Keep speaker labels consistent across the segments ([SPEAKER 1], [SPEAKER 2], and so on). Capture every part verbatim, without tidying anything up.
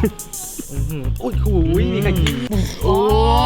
[SPEAKER 1] โอ้ยหูยมีใครกินโอ้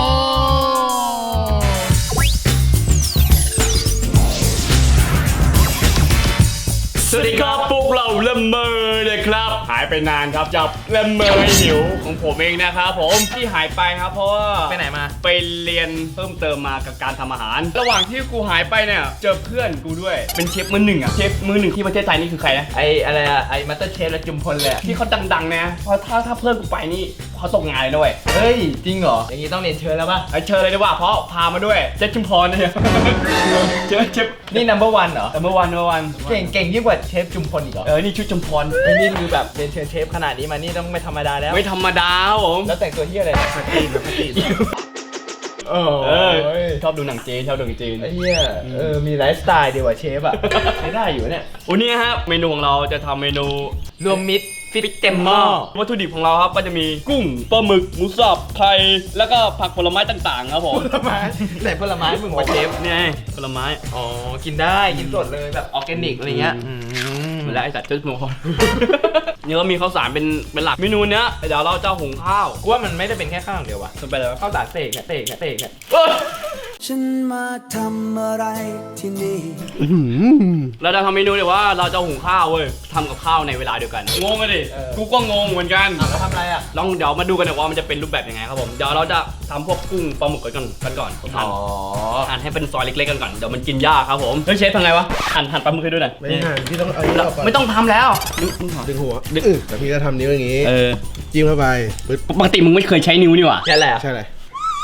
[SPEAKER 1] สวัสดีครับพวกเราเลมเมอร์เลยครับหายไปนานครับจับเลมเมอร์หิวของผมเองนะครับผมที่หายไปครับเพราะว่าไปไหนมาไปเรียนเพิ่มเติมมากับการทำอาหารระหว่างที่กูหายไปเนี่ยเจอเพื่อนกูด้วยเป็นเชฟมือหนึ่งอ่ะเชฟมือหนึ่งที่ประเทศไทยนี่คือใครนะไออะไรอะไอมาสเตอร์เชฟและจุมพลเลยที่เขาดังๆนะเพราะถ้าถ้าเพื่อนกูไปนี่เขาตกงานเลยด้วยเฮ้ยจริงเหรออย่างนี้ต้องเรียนเชิญแล้วป่ะเชิญเลยดีกว่าเพราะพามาด้วยเชฟจุมพลเนี่ยเชฟเชฟนี่ number one เหรอ number one number one เก่งเก่งยิ่งกว่าเชฟจุมพลอีกเหรอเออนี่ชุดจุมพลไอ้นี่คือแบบเป็นเชฟเชฟขนาดนี้มานี่ต้องไม่ธรรมดาแล้วไม่ธรรมดาผมแล้วแต่งตัวเฮียอะไรปกติปกติเออชอบดูหนังจีนชอบดูหนังจีนไอ้เหี้ยเออมีไลฟ์สไตล์ดีกว่าเชฟอ่ะใช้ได้อยู่เนี่ยวันนี้ครับเมนูของเราจะทำเมนูรวมมิตรฟิตเต็มหม้อวัตถุดิบของเราครับก็จะมีกุ้งปลาหมึกหมูสับไข่แล้วก็ผักผลไม้ต่างๆครับผมผลไม้ไหนผลไม้มึงมาเชฟเนี่ยผลไม้อ๋อกินได้กินสดเลยแบบออร์แกนิกอะไรเงี้ยเหมือนแล้วไอ้สัตว์จุดหมูนี่ก็มีข้าวสารเป็นเป็นหลักเมนูเนี้ยเดี๋ยวเราจะหุงข้าวกูว่ามันไม่ได้เป็นแค่ข้าวอย่างเดียววะมันเป็นอะไรข้าวสารเตะเตะเตะ
[SPEAKER 2] ฉันมาทำอะไรที่นี่
[SPEAKER 1] เราจะทำเมนูเดี๋ยวว่าเราจะหุงข้าวเว้ยทำกับข้าวในเวลาเดียวกันงงเลยกูก็งงเหมือนกันแล้วทำอะไรอ่ะลองเดี๋ยวมาดูกันเดี๋ยวว่ามันจะเป็นรูปแบบยังไงครับผมเดี๋ยวเราจะทำพวกกุ้งปลาหมึกกันก่อนกันก่อนหั่นหั่นให้เป็นซอยเล็กๆกันก่อนเดี๋ยวมันกินยากครับผมเฮ้ยเชฟทำไงวะหั่นหั่นปลาหมึกให้ด้วยหน่อย
[SPEAKER 3] ไม่หั่นพี่ต้องเอานี้ออกก่อน
[SPEAKER 1] ไม่ต้องทำแล้ว
[SPEAKER 3] ดึงหัวดึงแต่พี่ก็ทำนิ้วอย่างงี้จิ้มเข้าไป
[SPEAKER 1] ปกติมึงไม่เคยใช้นิ้วนี่หว่า
[SPEAKER 3] ใช่แหละใช่เลย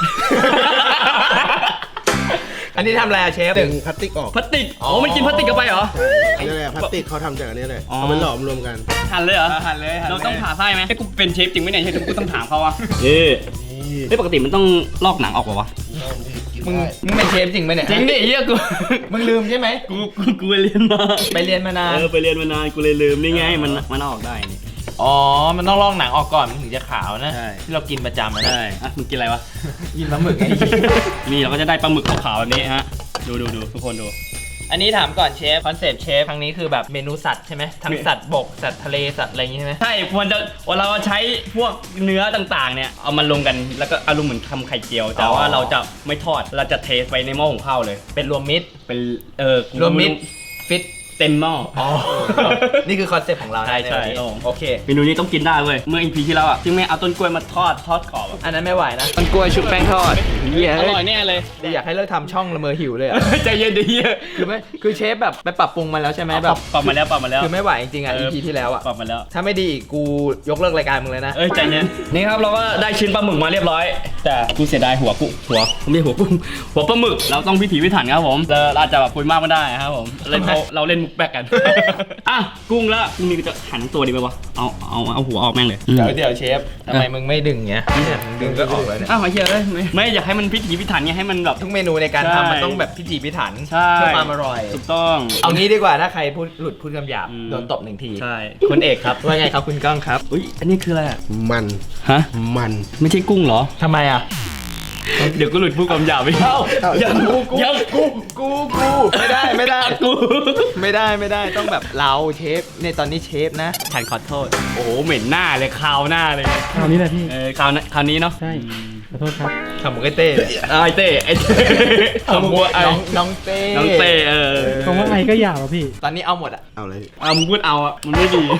[SPEAKER 1] อันนี้ทำอะไรอะเชฟ
[SPEAKER 3] ดึงพลาสติกออก
[SPEAKER 1] พลาสติกอ๋อมันกินพลาสติกกันไปเหรอ
[SPEAKER 3] นี่แหละพลาสติกเขาทำจากอันนี้เลยเอาไปหลอมรวมกัน
[SPEAKER 1] หั่นเลยเหรอหั่นเลยเราต้องผ่าไส้ไหมให้กูเป็นเชฟจริงไหมเนี่ยเชฟกูต้องถามเขาว่านี่นี่ปกติมันต้องลอกหนังออกป่าวะมึงมึงเป็นเชฟจริงไหมเนี่ยจริงดิเฮียกูมึงลืมใช่ไหมกูกูกูไปเรียนมาไปเรียนมานานเออไปเรียนมานานกูเลยลืมนี่ไงมันมันออกได้นี่อ๋อมันต้องลอกหนังออกก่อนมันถึงจะขาวนะที่เรากินประจำนะใช่อ่ะมึงกินอะไรวะกินปลาหมึกไงนี่เราก็จะได้ปลาหมึกขาวๆแบบนี้ฮะดูดูดูทุกคนดูอันนี้ถามก่อนเชฟคอนเซปต์เชฟครั้งนี้คือแบบเมนูสัตว์ใช่ไหมทั้งสัตว์บกสัตว์ทะเลสัตว์อะไรอย่างงี้ใช่ไหมใช่มันจะเราใช้พวกเนื้อต่างๆเนี่ยเอามาลงกันแล้วก็อารมณ์เหมือนทำไข่เจียวแต่ว่าเราจะไม่ทอดเราจะเทไปในหม้อหุงข้าวเลยเป็นรวมมิตรเป็นเออรวมมิตรฟิตเต็มหม้ออ๋อนี่คือคอนเซ็ปต์ของเราใช่ใช่โอเคเมนูนี้ต้องกินได้เว้ยเมื่ออีพีที่แล้วอ่ะที่แม่เอาต้นกล้วยมาทอดทอดกรอบอันนั้นไม่ไหวนะต้นกล้วยชุบแป้งทอดอร่อยแน่เลยอยากให้เลิกทำช่องละเมอหิวเลยอ่ะใจเย็นดิคือไม่คือเชฟแบบไปปรับปรุงมาแล้วใช่ไหมแบบปรับมาแล้วปรับมาแล้วคือไม่ไหวจริงๆอ่ะอีพีที่แล้วอ่ะปรับมาแล้วถ้าไม่ดีกูยกเลิกรายการมึงเลยนะเอ้ยใจเย็นนี่ครับเราก็ได้ชิ้นปลาหมึกมาเรียบร้อยแต่กูเสียดายหัวกุ้งหัวไม่หัวกุ้งหัวปลาหมึกเราต้องพิถีพิถันครับผมเราจะแบบคุยมากไม่ได้ครับผมเล่นเราเล่นมุกแบกกันอ่ะกุ้งแล้วกุ้งนี่จะหันตัวดีไหมวะเอาเอาเอาหัวออกแม่งเลยเดี๋ยวเดี๋ยวเชฟทำไมมึงไม่ดึงเงี้ยดึงก็ออกเลยเนี่ยอ้าวเฮียเลยไม่อยากให้มันพิถีพิถันไงให้มันแบบทุกเมนูในการทำมันต้องแบบพิถีพิถันเพื่อความอร่อยถูกต้องเอางี้ดีกว่าถ้าใครพูดหลุดพูดคำหยาบโดนตบหนึ่งทีใช่คุณเอกครับว่าไงครับคุณก้องครับอุ้ยอันนี้คืออะไร
[SPEAKER 3] มัน
[SPEAKER 1] ฮะ
[SPEAKER 3] มัน
[SPEAKER 1] ไม่ใช่กุ้งเหรอทำไมอ่ะเดี๋ยวก็หลุดพูดคำหยาบไปเอ้ายังกูกูยังกูกูกูไม่ได้ไม่ได้กูไม่ได้ไม่ได้ต้องแบบเราเชฟในตอนนี้เชฟนะฉันขอโทษโอ้โหเหม็นหน้าเลยคราวหน้าเลย
[SPEAKER 4] คราวนี้แหละพี่
[SPEAKER 1] เออคราวคราวนี้เนาะ
[SPEAKER 4] ใช่ขอโทษครับ
[SPEAKER 1] ทำมึงไอ้เต้ไอ้เต้ไอ้ทำมึงน้องน้องเต้น้องเต้เออ
[SPEAKER 4] คำว่าไอ้ก็หยาบอ่ะพี่
[SPEAKER 1] ตอนนี้เอาหมดอ่ะ
[SPEAKER 3] เอาเลย
[SPEAKER 1] เอามึงพูดเอาอ่ะมันไม่ดี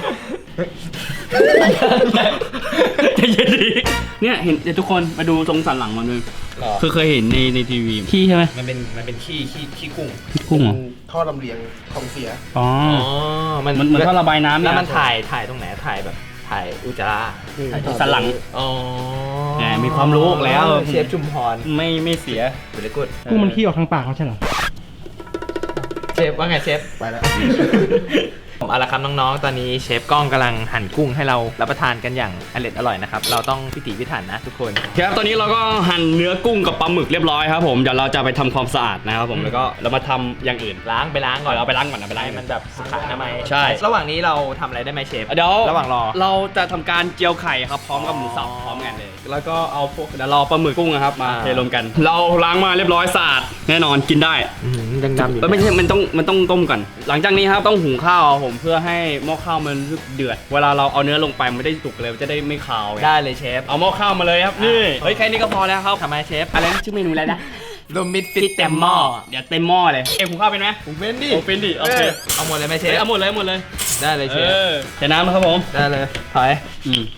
[SPEAKER 1] จะเย็นดีเนี่ยเห็นเดี๋ยวทุกคนมาดูทรงสันหลังมันเลยคือเคยเห็นในในทีวีขี้ใช่ไหมมันเป็นมันเป็นขี้ขี้ขี้กุ้งขี้กุ้งเหรอ
[SPEAKER 3] ท่อลำเลียงของเสีย
[SPEAKER 1] อ๋อมันมันเหมือนท่อระบายน้ำแล้วมันถ่ายถ่ายตรงไหนถ่ายแบบถ่ายอุจจาระถ่ายสันหลังอ๋อมีความรู้แล้วเชฟชุมพรไม่ไม่เสียเดี๋ยวกู
[SPEAKER 4] กุ้งมันขี้ออกทางปากเขาใช่เหรอ
[SPEAKER 1] เชฟว่าไงเชฟ
[SPEAKER 3] ไปแล้ว
[SPEAKER 1] เอาละครับน้องๆตอนนี้เชฟก้องกำลังหั่นกุ้งให้เรารับประทานกันอย่างอร่อยอร่อยนะครับเราต้องพิถีพิถันนะทุกคนครับตอนนี้เราก็หั่นเนื้อกุ้งกับปลาหมึกเรียบร้อยครับผมเดี๋ยวเราจะไปทำความสะอาดนะครับผมแล้วก็เรามาทำอย่างอื่นล้างไปล้างก่อนเราไปล้างก่อนนะไปล้างมันแบบสุขอนามัยใช่ระหว่างนี้เราทำอะไรได้ไหมเชฟเดี๋ยวระหว่างรอเราจะทำการเจียวไข่ครับพร้อมกับหมูสับพร้อมกันเลยแล้วก็เอาพวกเดี๋ยวรอปลาหมึกกุ้งครับมาเทรวมกันเราล้างมาเรียบร้อยสะอาดแน่นอนกินได้ยังดำอยู่ไม่ใช่มันต้องมันต้องต้มก่อนหลังจากนี้ครับต้องหุงข้าวผมเพื่อให้หม้อข้าวมันเดือดเวลาเราเอาเนื้อลงไปมันไม่ได้สุกเลยจะได้ไม่คาวได้เลยเชฟเอาหม้อข้าวมาเลยครับนี่เฮ้ยแค่นี้ก็พอแล้วครับทำไมเชฟอะไรนะชื่อเมนูอะไรนะโดมิดฟิตเต็มหม้อเดี๋ยวเต็มหม้อเลยเอ็มหุงข้าวเป็นไหมหุงเป็นดิโอ้เป็นดิโอเคเอาหมดเลยไหมเชฟเอาหมดเลยหมดเลยได้เลยเชฟใส่น้ำครับผมได้เลยถอยอืม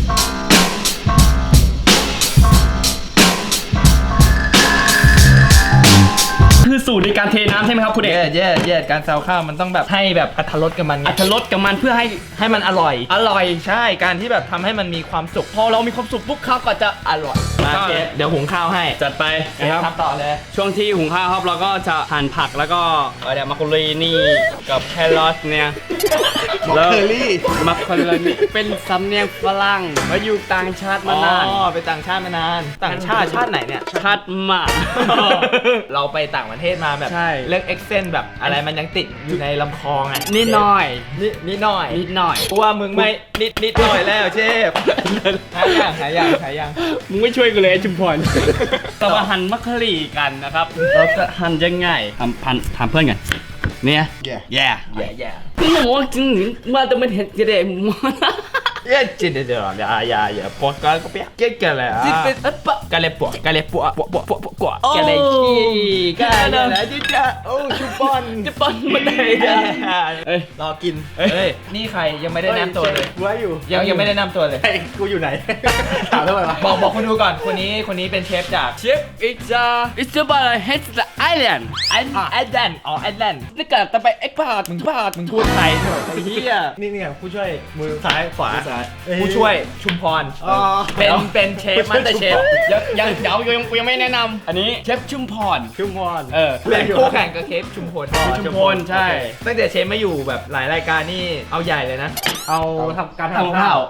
[SPEAKER 1] คือสูตรในการเทน้ำใช่ไหมครับคุณเอกแย่แย่การซาวข้าวมันต้องแบบให้แบบอรรถรสกับมันอรรถรสกับมันเพื่อให้ให้มันอร่อยอร่อยใช่การที่แบบทำให้มันมีความสุขพอเรามีความสุขปุ๊บข้าวก็จะอร่อยมาเชฟเดี๋ยวหุงข้าวให้จัดไปนะครับทำต่อเลยช่วงที่หุงข้าวครับเราก็จะหั่นผักแล้วก็เดี๋ยวมักโรนีกับแครอทเนี่ยแล้วมักโรนีเป็นสำเนียงฝรั่งมาอยู่ต่างชาติมานานอ๋อไปต่างชาติมานานต่างชาติชาติไหนเนี่ยชาติหมาเราไปต่างประเทศมาแบบเรื่องเอ็กเซนแบบอะไรมันยังติดอยู่ในลำคอไงนิดหน่อยนิดนิดหน่อยนิดหน่อยเพราะว่ามึงไม่นิดนิดหน่อยแล้วเชฟหายยังหายยังหายยังมึงไม่ช่วยกูเลยจุมพรเรามาหั่นมักกะหรี่กันนะครับเราจะหั่นยังไงทำพันถามเพื่อนกันเนี่ยแย่แย่แย่แย่หมูจริงมาแต่มันเห็นกระเด็นหมูเย้จริงเดี๋ยวอย่าอย่าอย่าปวดกันก็เปียกเก่งกันเลยอ่ะจิเป็นอ๊ะปะกันเลยปวดกันเลยปวดปวดปวดปวดปวดปวดกันเลยขี้กันเลยจิจ้าโอ้ชุบอลชุบอลมันได้เอ้ยรอกินเฮ้ยนี่ใครยังไม่ได้แนะนำตัวเลยว่าอยู่ยังยังไม่ได้แนะนำตัวเลยกูอยู่ไหนถามทำไมวะบอกบอกคนดูก่อนคนนี้คนนี้เป็นเชฟจากเชฟอิจาอิจาบาร์เฮดส์ไอแลนด์ไอไอแลนด์อ๋อไอแลนด์นี่เกิดแต่ไปเอ็กพาร์ตมึงพาร์ตมึงพูดไทยเถอะไอ้เหี้ยนี่เนี่ยผู้ช่วยมือซ้ายขวาผู้ช่วยชุมพรเป็นเป็นเชฟมันแต่เชฟยังยังเดี๋ยวยังยังไม่แนะนำอันนี้เชฟชุมพรชุมพรเออเป็นคู่แข่งกับเชฟชุมพลชุมพลใช่ตั้งแต่เชฟมาอยู่แบบหลายรายการนี่เอาใหญ่เลยนะเอาทำการทำข้าว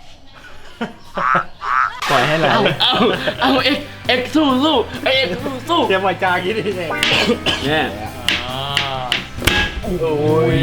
[SPEAKER 1] ปล่อยให้เราเอาเอาเอ็กเอ็กสู้สู้เอ็กสู้สู้เตรียมไว้จากี้ดิเนี่ยโอ้ย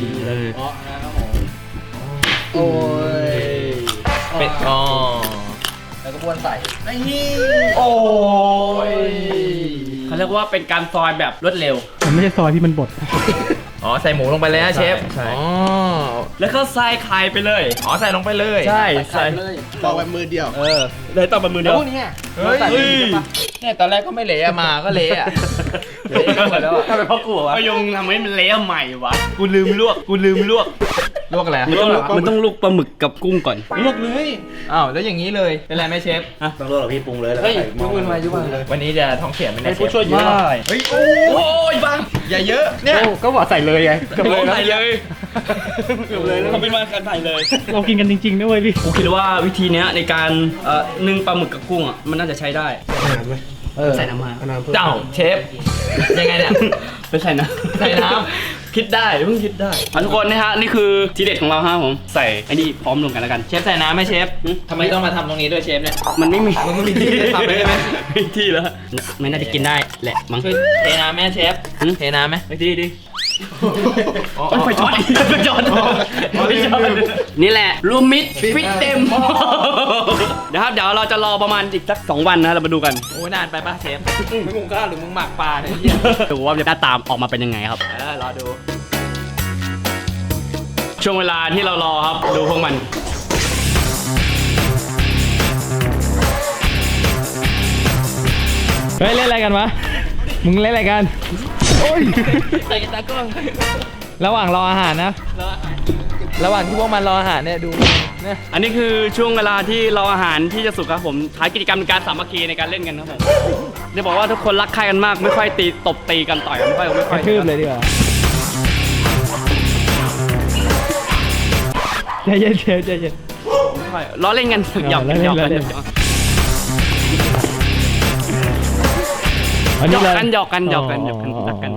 [SPEAKER 1] โอ้ยเป็ดอ๋อแล้วก็บ้วนใส่นี่โอ้ยเขาเรียกว่าเป็นการซอยแบบรวดเร็ว
[SPEAKER 4] มันไม่ใช่ซอยที่มันบด
[SPEAKER 1] อ๋อใส่หมูลงไปเลยนะเชฟใช่อ๋อแล้วก็ใส่ไข่ไปเลยอ๋อใส่ลงไปเลยใช่ใส่เลย
[SPEAKER 3] ต่อไปมือเดียว
[SPEAKER 1] เออเลยต่อไปมือเดียวพวกนี้เฮ้ยเนี่ยตอนแรกก็ไม่เละมาก็เละอะเละหมดแล้วทำไมพ่อกูวะก็ยงทำให้มันเละใหม่วะกูลืมลวกกูลืมลวกลวกอะไรมันต้องมันต้องลวกปลาหมึกกับกุ้งก่อนลวกเลยอ้าวแล้วอย่างนี้เลยเป็นไรไหมเชฟ
[SPEAKER 3] ต้องลวกหรอพี่ปรุงเลยแล้ว
[SPEAKER 1] เฮ้ยยุบมือมายุบมือเลยวันนี้จะท้องเสียมันได้ผู้ช่วยเยอะเฮ้ยโอ้ยบังอย่าเยอะเนี่ยก็บอกใส่เลยไงก็เลยใส่เลยเกือบเลยแล้วเขาเป็นมาการใส่เลย
[SPEAKER 4] เรากินกันจริงๆนะเว้ยพี่
[SPEAKER 1] ผมคิดว่าวิธีนี้ในการเอ่อนึ่งปลาหมึกกับกุ้งอ่ะมันน่าจะใช้ได้ใส่น้ำมาเจ้าเชฟยังไงเนี่ยไปใส่น้ำใส่น้ำคิดได้เพิ่งคิดได้ทุกคนนะฮะนี่คือทีเด็ดของเราฮะผมใส่ไอ้นี่พร้อมลงกันแล้วกันเชฟใส่น้ำไหมเชฟทำไมต้องมาทำตรงนี้ด้วยเชฟเนี่ยมันไม่มีมันไม่มีที่ทำเลยใช่ไหมไม่มีที่แล้วไม่น่าจะกินได้แหละมั้งเทน้ำไหมเชฟเทน้ำไหมไปที่ดิไฟช็อตไฟช็อตนี่แหละรูมิดฟิตเต็มเดี๋ยวครับเดี๋ยวเราจะรอประมาณอีกสักสองวันนะเรามาดูกันโอ้นานไปป่ะเชฟมึงหุงข้าวหรือมึงหมักปลาเนี่ยดูว่าจะหน้าตามออกมาเป็นยังไงครับเออรอดูช่วงเวลาที่เรารอครับดูพวกมัน
[SPEAKER 4] เฮ้ยเล่นอะไรกันวะมึงเล่นอะไรกันโอ้ย
[SPEAKER 1] ใส่กีตาร์ก้อน
[SPEAKER 4] ระหว่างรออาหารนะระหว่างที่พวกมันรออาหารเนี่ยดู
[SPEAKER 1] เนี่ยอันนี้คือช่วงเวลาที่รออาหารที่จะสุกครับผมท้ายกิจกรรมในการสามัคคีในการเล่นกันครับผมจะบอกว่าทุกคนรักใครกันมากไม่ค่อยตีตบตีกันต่อยกันไม่ค่อยไม่ค่อย
[SPEAKER 4] ทืบเลยดีกว่าใจเย็นใจเย็น
[SPEAKER 1] ล้อเล่นกันหยอกกันหยอกกันหยอกกันหยอกกันหยอกกันหยอกกันรักกัน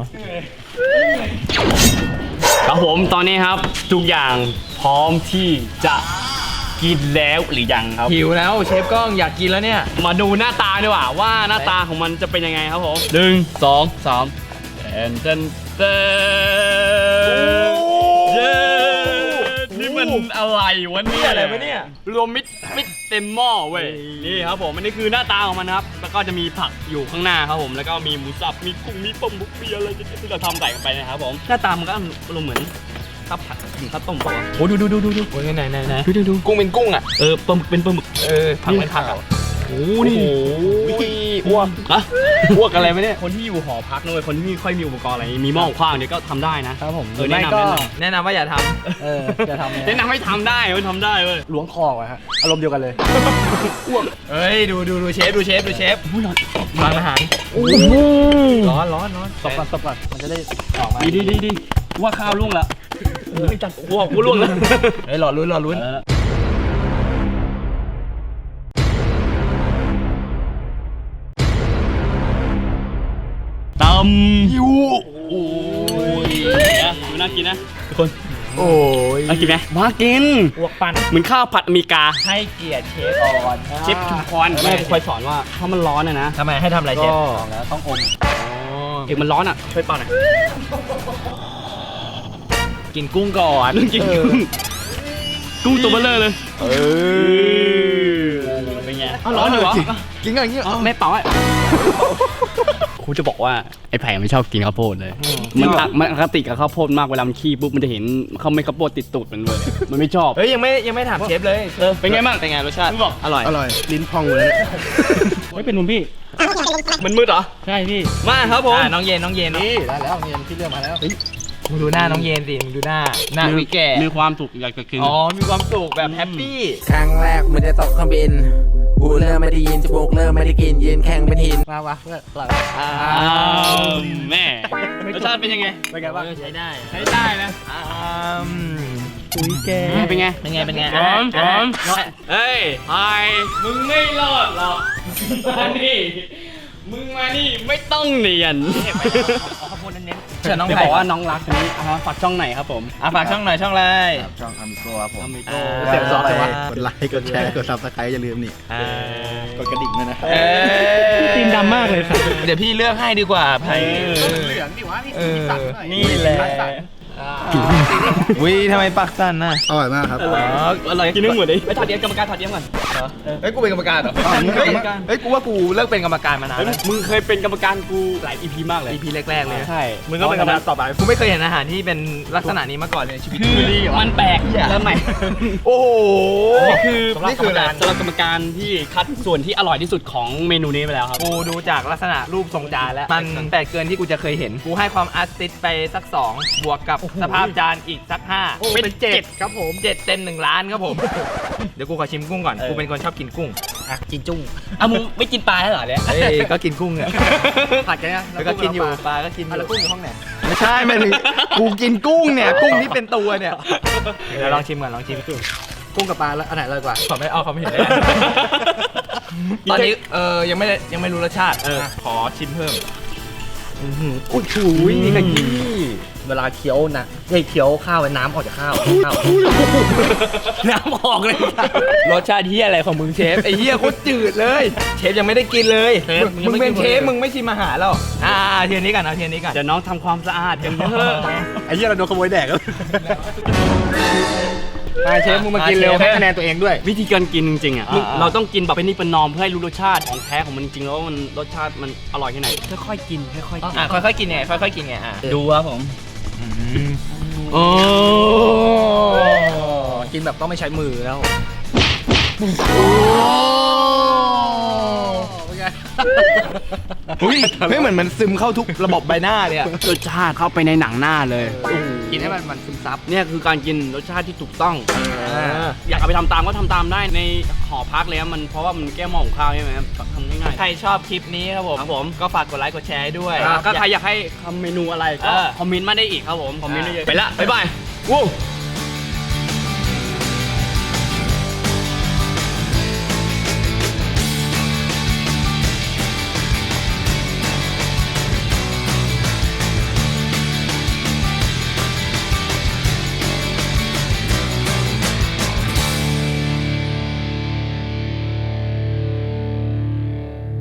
[SPEAKER 1] ครับผมตอนนี้ครับทุกอย่างพร้อมที่จะกินแล้วหรือยังครับหิวแล้วเชฟก้องอยากกินแล้วเนี่ยมาดูหน้าตาดีกว่าว่าหน้าตาของมันจะเป็นยังไงครับผมหนึ่งสองสามเต้นเต้นเต้นเย้นี่มันอะไรวะเนี่ย
[SPEAKER 4] อะไรวะเนี่ย
[SPEAKER 1] รวมมิตรมิตรเต็มหม้อเว้ยนี่ครับผมอันนี้คือหน้าตาของมันนะครับแล้วก็จะมีผักอยู่ข้างหน้าครับผมแล้วก็มีหมูสับมีกุ้งมีปลาหมึกมีอะไรที่เราทำใส่กันไปนะครับผมหน้าตามันก็อารมณ์เหมือนข้าวผัดข้าวต้มป่ะโอ้ดูดูดูดูดู
[SPEAKER 4] โอ้ยไหนไหนไหน
[SPEAKER 1] ดูดูดู
[SPEAKER 4] กุ้งเป็นกุ้งอ่ะ
[SPEAKER 1] เออปลาหมึกเป็นปลาหมึก
[SPEAKER 4] เออผักเป็นผักอ่ะ
[SPEAKER 1] โอ้นี่
[SPEAKER 4] อ้วก
[SPEAKER 1] อะอ้วกอะไรไหมเนี่ยคนที่อยู่หอพักนะเว้ยคนที่ไม่ค่อยมีอุปกรณ์อะไรมีหม้อขว้างเนี่ยก็ทำได้นะครับ
[SPEAKER 5] ผม
[SPEAKER 1] เออแนะนำแนะน
[SPEAKER 4] แนะนำว่าอย่าท
[SPEAKER 5] เออจะทำ
[SPEAKER 1] ำแนะนำให้ทำได้เว้ยทำได้เว้ย
[SPEAKER 5] ล้วงคอไว้ฮะอารมณ์เดียวกันเลย
[SPEAKER 4] ำเฮ้ยดูดูดูเชฟดูเชฟดูเชฟร้านอาหารร้อนร้อนร้อน
[SPEAKER 5] ตบก่อนตบก่อนมันจะได้ออกมา
[SPEAKER 1] ดีดีดีดีว่าข้าวล่วงละไม่จัดอ้วกกูล่วงแล้ว
[SPEAKER 4] เฮ้ยรอลุ้นรอลุ้น
[SPEAKER 1] ตำยูโอ้ยนะดูน่ากินนะทุกคน
[SPEAKER 4] โอ้ย
[SPEAKER 1] น่ากินไหมมากิน
[SPEAKER 4] อ้วกปั้น
[SPEAKER 1] เหมือนข้าวผัดอเมริกา
[SPEAKER 4] ให้เกียรติเชฟก่อน
[SPEAKER 1] เชฟชุมพรแม่กูคอยสอนว่าถ้ามันร้อนนะนะ
[SPEAKER 4] ทำไมให้ทำอะไรเชฟ
[SPEAKER 5] แล้วต้องอม
[SPEAKER 1] เอกมันร้อนอ่ะช่วยเป่าหน่อย
[SPEAKER 4] กินกุ้งก่อน
[SPEAKER 1] เรื่องกินกุ้งกุ้งตัวเบลเลอร์เลย
[SPEAKER 4] เออ
[SPEAKER 1] เป็นไงอ้าวร้อนอยู่เหรอ
[SPEAKER 5] กินกันอย่างนี้
[SPEAKER 1] อ๋อไม่เป่าอ่ะครูจะบอกว่าไอ้ไผ่ไม่ชอบกินข้าวโพดเลย มันอะมันอคติกับข้าวโพดมากเวลามันขี้ปุ๊บมันจะเห็นเขาไม่ข้าวโพดติดตูดมันเลยมันไม่ชอบ
[SPEAKER 4] เฮ้ยยังไม่ยังไม่ถามเชฟเลย
[SPEAKER 1] เออเป็นไงบ้าง
[SPEAKER 4] เป็นไงรสชาติ
[SPEAKER 1] มึงบอก
[SPEAKER 4] อร่อย
[SPEAKER 3] อร่อย ลิ้นพองเลย
[SPEAKER 1] ไม่เป็นมุมพี่มันมืดเหรอใช่พี่มาครับผม
[SPEAKER 4] อ่าน้องเย็นน้องเย็น
[SPEAKER 5] นี่ได้แล้วเงินที่เลือกมาแล้ว
[SPEAKER 4] มึงดูหน้าน้องเย็นสิมึงดูหน้าหน้าวิแก่
[SPEAKER 1] มีความสุขอยากจะกิน
[SPEAKER 4] อ๋อมีความสุขแบบแฮปปี้
[SPEAKER 2] ครั้งแรกมันจะตกเครื่องบินหูเริ่มไม่ได้ยินจมูกเริ่มไม่ได้กลินยืนแข็งเป็นหิน
[SPEAKER 5] มาวะเพื่อนเรา
[SPEAKER 1] อ้าวแม่รสชาติเป็นยังไง
[SPEAKER 5] เป็นไงบ้าง
[SPEAKER 4] ใช้ได้
[SPEAKER 1] ใช้ได้นะ
[SPEAKER 4] อืม
[SPEAKER 5] อุ้ยแก
[SPEAKER 1] เป็นไง
[SPEAKER 4] เป็นไงเป็นไง
[SPEAKER 1] พร้อมพร้อม
[SPEAKER 4] อ่ะ
[SPEAKER 1] เฮ้ยไอ้มึงไม่รอดหรอกมานี่มึงมานี่ไม่ต้องเนียน
[SPEAKER 4] ข้าวโพดเน้นๆเชิญน้อง
[SPEAKER 1] เดี๋ยว
[SPEAKER 4] ไผ่
[SPEAKER 1] บอกว่าน้องรักคนนี้อ่าฝากช่องไหนครับผม
[SPEAKER 4] อ่ะฝากช่องหน่อยช่องอะไร
[SPEAKER 3] ช่องอามิโก้ครับผม
[SPEAKER 1] อามิโก
[SPEAKER 4] อ่า
[SPEAKER 5] เสียบซอส
[SPEAKER 3] ไป
[SPEAKER 5] เลยวะ
[SPEAKER 3] กดไลค์ กดแชร์ กดซับสไครต์อย่าลืมนี่
[SPEAKER 4] อ่าก
[SPEAKER 3] ดกระดิ่งด้วยนะ
[SPEAKER 4] เอ้ย
[SPEAKER 5] ตีนดำมากเลยครับ
[SPEAKER 4] เดี๋ยวพี่เลือกให้ดีกว่าไผ่
[SPEAKER 5] เหลืองดิวะนี่
[SPEAKER 4] เออ
[SPEAKER 1] นี่แหละ
[SPEAKER 4] วิทำไมปากสั้นน่ะ
[SPEAKER 3] อร่อยมากครับ
[SPEAKER 1] อ๋ออร่อยกินนึงหมดเลยไปถอดเดียมกรรมการถอดเดียมก่อน
[SPEAKER 4] เฮ้ยกูเป็นกรรมการเหรอ
[SPEAKER 3] อ๋อมึงเป็นกรรมการ
[SPEAKER 4] เฮ้ยกูว่ากูเลิกเป็นกรรมการมานาน
[SPEAKER 1] เฮ้ย
[SPEAKER 4] แล้ว
[SPEAKER 1] มึงเคยเป็นกรรมการกูหลาย อี พี มากเลย
[SPEAKER 4] อีพีแรกๆเลย
[SPEAKER 1] ใช่
[SPEAKER 4] มึงก็เป็นกรรมการต่อไปกูไม่เคยเห็นอาหารที่เป็นลักษณะนี้มาก่อนเลยในชีวิต
[SPEAKER 1] คือมันแปลกเริ่มใหม่
[SPEAKER 4] โอ้โห
[SPEAKER 1] นี่คือ
[SPEAKER 4] นี่คืออะไร
[SPEAKER 1] สำหรับกรรมการที่คัดส่วนที่อร่อยที่สุดของเมนูนี้ไปแล้วครับ
[SPEAKER 4] กูดูจากลักษณะรูปทรงจานแล้ว มันแปลกเกินที่กูจะเคยเห็น กูให้ความอาร์ติสไปสักสองบวกกับสภาพจานอีกสักห้า
[SPEAKER 5] เป็นเจ็ดครับผม
[SPEAKER 4] เจ็ดเต็มหนึ่งล้านครับผม เดี๋ยวกูขอชิมกุ้งก่อน กูเป็นคนชอบกินกุ้ง
[SPEAKER 5] อ่ะกินจุ้ง
[SPEAKER 1] อ่ะมึงไม่กินปลาแล้วเหรอเนี่ย
[SPEAKER 4] เอ้ยก็กินกุ้งเนี่ย
[SPEAKER 5] ผัดกันนะ
[SPEAKER 4] แล้วก็กินอยู่ปลาก็กินอ
[SPEAKER 5] อ่ะแล้ว
[SPEAKER 4] ยู่
[SPEAKER 5] กุ้งอยู่ห้องไหน
[SPEAKER 4] ไม่ใช่ไม่ถึงกูกินกุ้งเนี่ย กุ้งที่เป็นตัวเนี่ย เดี๋ยวลองชิมก่อนลองชิม
[SPEAKER 5] กุ้งกับปลาแล้วอันไหนอร่อยกว่า
[SPEAKER 4] ขอไม่เอาเขาไม่เห็นได้ ตอนนี้เออยังไม่ได้ยังไม่รู้รสชาติ เออขอชิมเพิ่ม
[SPEAKER 5] อุ้ยถูยนี่ก็ยีเวลาเคี้ยวนะไอ้เคี้ยวข้าวน้ำออกจากข้าวข้าว
[SPEAKER 4] น้ำออกเลย รสชาติเฮียอะไรของมึงเชฟไอ้เฮียโคตรจืดเลย เชฟยังไม่ได้กินเลย
[SPEAKER 1] เชฟ
[SPEAKER 4] มึงเป็น
[SPEAKER 1] ยังไม่กิน
[SPEAKER 4] เชฟ
[SPEAKER 1] เลย
[SPEAKER 4] มึงไม่ชิมอาหารหรอกอ่าเทียนนี้ก่อนเอาเทียนนี้ก่อน
[SPEAKER 1] เดี๋ยวน้องทำความสะอาดกันเถอะ
[SPEAKER 3] ไอ้เหี้ยเราโดนขโมยแดกแล้ว
[SPEAKER 5] อ่ะเชฟมึงมากินเร็วให้คะแนนตัวเองด้วย
[SPEAKER 1] วิธีการกินจริงๆอ่ะ
[SPEAKER 4] อ่าๆ
[SPEAKER 1] เราต้องกินแบบเป็นนี่เป็นนอมเพื่อให้รู้รสชาติของแท้ของมันจริงๆแล้วว่ามันรสชาติมันอร่อยแค่ไหนค่อยๆกินค่อยๆกิน
[SPEAKER 4] อ่ะค่อยๆกินไงค่อยๆกินไงอ่ะ
[SPEAKER 1] ดูครับผม
[SPEAKER 4] โอ้
[SPEAKER 5] กินแบบต้องไม่ใช้มือแล้ว
[SPEAKER 4] อุ้ยไม่เหมือนมันซึมเข้าทุกระบบใบหน้าเลยอะ
[SPEAKER 1] รสชาติเข้าไปในหนังหน้าเลย
[SPEAKER 5] กินให้มันมันซึมซับ
[SPEAKER 1] เนี่ยคือการกินรสชาติที่ถูกต้อง อยากเอาไปทำตามก็ทำตามได้ในหอพักเลยครับมันเพราะว่ามันแก้หม้อของข้าวใช่ไหมครับทำง่ายๆ
[SPEAKER 4] ใครชอบคลิปนี้ครับผม
[SPEAKER 1] ครับผม
[SPEAKER 4] ก็ฝากกดไลค์กดแชร์ให้ด้วย
[SPEAKER 1] ก็ใครอยากให้ทำเมนูอะไรก็
[SPEAKER 4] เออ
[SPEAKER 1] คอมเมนต์มาได้อีกครับผมคอมเมนต์ได้เยอะไปละบ๊ายบายวู้